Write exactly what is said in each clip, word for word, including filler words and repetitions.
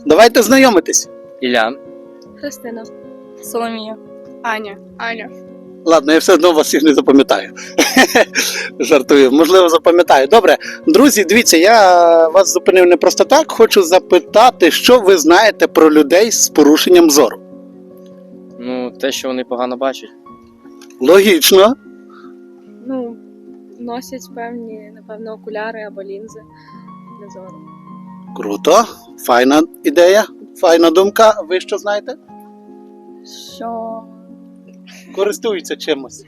Давайте знайомитись. Ілля. Христина. Соломія. Аня. Аня. Ладно, я все одно вас їх не запам'ятаю. Жартую, можливо, запам'ятаю. Добре, друзі, дивіться, я вас зупинив не просто так. Хочу запитати, що ви знаєте про людей з порушенням зору. Ну, те, що вони погано бачать. Логічно. Ну, носять певні, напевно, окуляри або лінзи для зору. Круто, файна ідея, файна думка. Ви що знаєте? Що? Користуються чимось.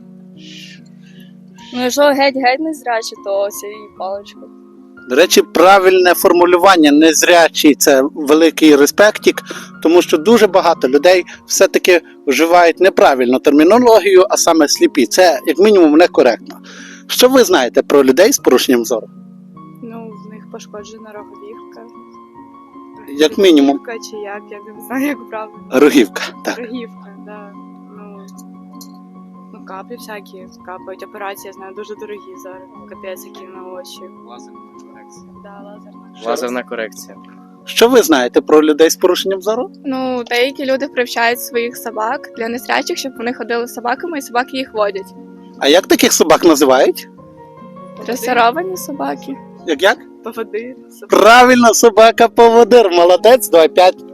Ну, якщо геть-геть не зрячі, то цією паличкою. До речі, правильне формулювання незрячий – це великий респектік, тому що дуже багато людей все-таки вживають неправильну термінологію, а саме сліпі. Це, як мінімум, некоректно. Що ви знаєте про людей з порушенням зору? Ну, в них пошкоджена роговівка. Як мінімум. Роговівка чи як, я не знаю, як правильно. Рогівка, так. Роговівка, да. Ну, ну, каплі всякі капають. Операції, я знаю, дуже дорогі зараз. Капець, які на очі. Лазерна корекція. Да, лазерна. Лазерна корекція. Що ви знаєте про людей з порушенням зору? Ну, деякі люди привчають своїх собак для незрячих, щоб вони ходили з собаками, і собаки їх водять. А як таких собак називають? Дресировані собаки. Як як? Поводир. Собаки. Правильно, собака-поводир. Молодець, давай п'ять